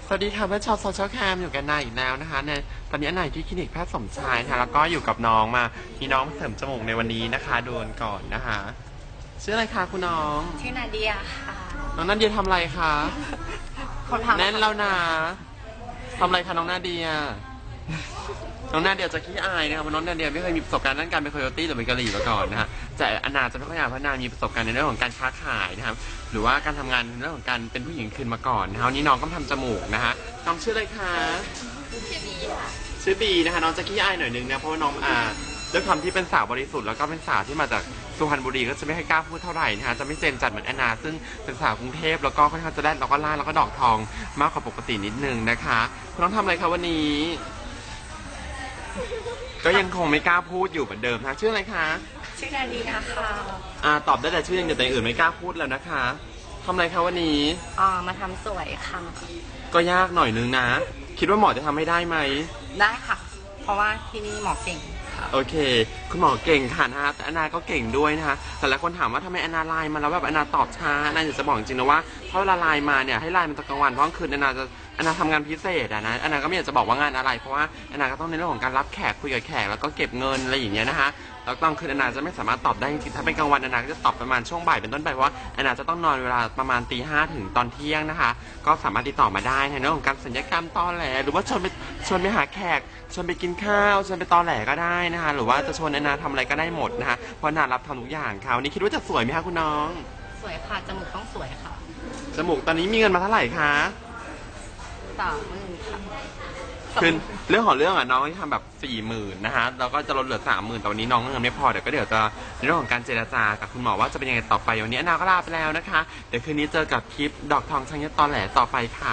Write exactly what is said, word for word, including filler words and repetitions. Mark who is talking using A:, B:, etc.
A: สวัสดีค่ะเพื่อนชาวโซเชียลแคมอยู่กันนายอีกแล้วนะคะในตอนนี้นายที่คลินิกแพทย์สมชายค่ะแล้วก็อยู่กับน้องมามีน้องเสริมจมูกในวันนี้นะคะดูกันก่อนนะคะชื่ออะไรคะคุณน้อง
B: ชื่อนาเดียค่ะ
A: น้องนาเดียทำอะไรคะ
B: คนทำ
A: แน่นแล้วนะทำอะไรคะน้องนาเดียน้องนาเดียจะขี้อายนะครับเพราะน้องนาเดียไม่เคยมีประสบการณ์ด้านการเป็นโคโยตี้หรือเป็นกะหรี่มาก่อนนะฮะแต่อนาจะไม่ค่อยอยากเพราะนามีประสบการณ์ในเรื่องของการค้าขายนะครับหรือว่าการทำงานในเรื่องของการเป็นผู้หญิงคืนมาก่อนนะฮะวันนี้น้องก็ทำจมูกนะฮะน้องชื่ออะไรคะ
B: ชื่อบีค่ะ
A: ชื่อบีนะคะน้องจะขี้อายหน่อยนึงนะเพราะว่าน้องอ่าด้วยความที่เป็นสาวบริสุทธิ์แล้วก็เป็นสาวที่มาจากสุพรรณบุรีก็จะไม่ให้กล้าพูดเท่าไหร่นะฮะจะไม่เจนจัดเหมือนแอนนาซึ่งเป็นสาวกรุงเทพแล้วก็ค่อนข้างจะแรดแล้วก็ล่าแล้วก็ดอกทองมากกว่าปกตินิดนึงนะคะคุณน้องทำอะไรคะวันนี้ก็ยังคงไม่กล้าพูดอยู่เหมือนเดิมนะชื่ออะไรคะ
B: ชื่อนาเดียค่ะ
A: อ่าตอบได้แต่ชื่ออย่างเดียวแต่อื่นไม่กล้าพูดแล้วนะคะทำอะไรคะวันนี้
B: อ๋อมาทำสวยค่ะ
A: ก็ยากหน่อยนึงนะคิดว่าหมอจะทำให้ได้ไหม
B: ได้ค่ะเพราะว่าที่นี่หมอเก่ง
A: โอเคคุณหมอเก่งค่ะนะฮะแต่อนาก็เก่งด้วยนะคะแต่หลายคนถามว่าทำไมอนาไลน์มาแล้วแบบอนาตอบช้าอนาอยากจะบอกจริงๆนะว่าถ้าเวลาไลน์มาเนี่ยให้ไลน์มันตอนกลางวันเพราะกลางคืนอนาจะอนาทำงานพิเศษอะนะอนาก็ไม่อยากจะบอกว่างานอะไรเพราะว่าอนาก็ต้องในเรื่องของการรับแขกคุยกับแขกแล้วก็เก็บเงินอะไรอย่างเงี้ยนะคะแล้วตอนคืนอนาจะไม่สามารถตอบได้จริงๆถ้าเป็นกลางวันอนาก็จะตอบประมาณช่วงบ่ายเป็นต้นไปเพราะว่าอนาจะต้องนอนเวลาประมาณตีห้าถึงตอนเที่ยงนะคะก็สามารถติดต่อมาได้ในเรื่องของการสัญญกรรมตอแหลหรือว่าชวนไปชวนไปหาแขกชวนไปกินข้าวชวนไปตอแหลก็ได้นะคะหรือว่าจะชวนอนาทำอะไรก็ได้หมดนะคะเพราะอนารับทำทุกอย่างค่ะวันนี้คิดว่าจะสวยไหมคะคุณน้อง
B: สวยค่ะจมูกต้องสวยค่ะ
A: จมูกตอนนี้มีเงินมาเท่าไหร่คะ
B: สามหมื่นค่ะ
A: คือเรื่องของเรื่องอ่ะน้องที่ทำแบบสี่หมื่นนะคะเราก็จะลดเหลือสามหมื่นแต่วันนี้น้องเงินไม่พอเดี๋ยวก็เดี๋ยวจะในเรื่องของการเจรจากับคุณหมอว่าจะเป็นยังไงต่อไปวันนี้อนาก็ลาไปแล้วนะคะเดี๋ยวคืนนี้เจอกับคลิปดอกทองชังยศตอแหลต่อไปค่ะ